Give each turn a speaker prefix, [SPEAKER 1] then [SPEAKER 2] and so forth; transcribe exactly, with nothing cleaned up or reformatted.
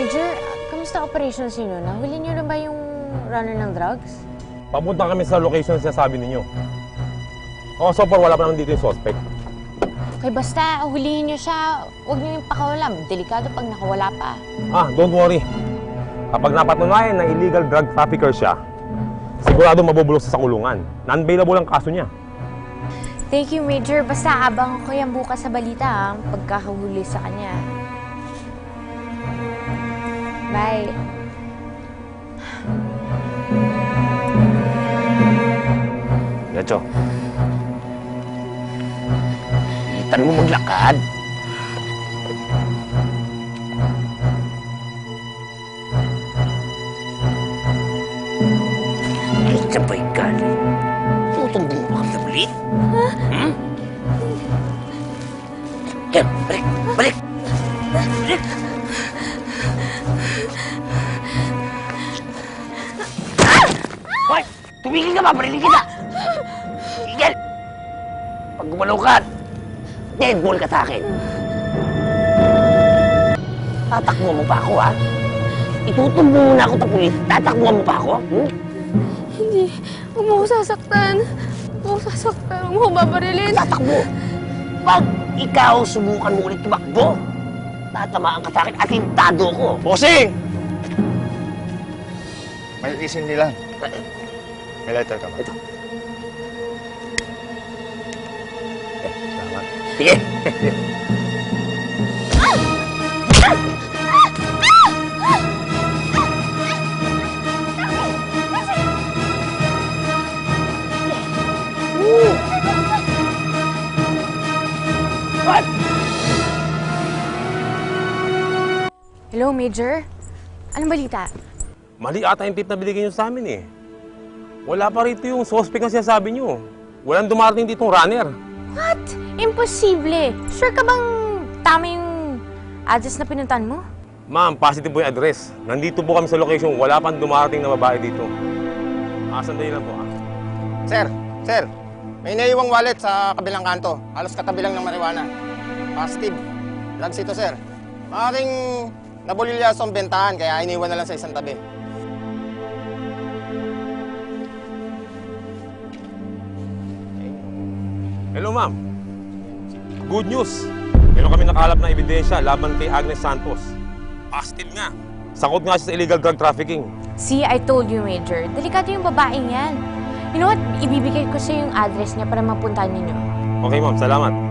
[SPEAKER 1] Major, kamusta operations niyo? Nahuli niyo na ba yung runner ng drugs?
[SPEAKER 2] Papunta kami sa location na sinasabi ninyo. Oh, so far wala pa naman dito yung suspect.
[SPEAKER 1] Okay, basta hulihin niyo siya. Huwag niyo yung pakawalam. Delikado pag nakawala pa.
[SPEAKER 2] Ah, don't worry. Kapag napatunayan na illegal drug trafficker siya, sigurado mabubulok sa kulungan. Non-bailable ang kaso niya.
[SPEAKER 1] Thank you, Major. Basta abang ko yan bukas sa balita, ha? Pagkakahuli sa kanya. Bye.
[SPEAKER 3] Gacho. Itan mo maglakad. Ay, sabay galing. Tutumbo mo kami na ulit? Ha? Hmm? Yan, balik, balik! Balik! Hoy! Tumigil ka ba? Barilin kita! Tigil! Pag gumalaw ka, dead ball ka sa akin. Tatakbo mo pa ako, ha? Itutumbo mo na ako sa pulis. Tatakbo mo pa ako? Hmm?
[SPEAKER 4] Hindi. Huwag mo ako sasaktan. Huwag mo ako sasaktan. Huwag mo ako babarilin.
[SPEAKER 3] Tatakbo! Pag ikaw subukan mo ulit tumakbo, tatamaan ka sa akin at hintado ko.
[SPEAKER 5] Bossing! May isin nila. May lighter ka ba?
[SPEAKER 3] Ito. Eh, salamat. Sige!
[SPEAKER 1] Hello, Major? Anong balita?
[SPEAKER 2] Mali ata yung tip na binigay niyo sa amin eh. Wala pa rito yung suspect na sinasabi niyo. Walang dumarating ditong runner.
[SPEAKER 1] What? Imposible. Sure ka bang tama yung address na pinuntan mo?
[SPEAKER 2] Ma'am, positive po yung address. Nandito po kami sa location. Wala pang dumarating na babae dito. Ah, sandali lang po ah.
[SPEAKER 5] Sir, sir. May naiwang wallet sa kabilang kanto. Halos katabi lang ng marijuana. Positive. Drugs ito, sir. Maaaring nabulilyaso ang bentahan, kaya iniwan na lang sa isang tabi.
[SPEAKER 2] Hello, ma'am. Good news. Meron kami nakalap na ebidensya laban kay Agnes Santos. Positive nga. Sakot nga siya sa illegal drug trafficking.
[SPEAKER 1] See, I told you, Major. Delikado yung babaeng yan. You know what? Ibibigay ko sa yung address niya para mapuntahan ninyo.
[SPEAKER 2] Okay, ma'am. Salamat.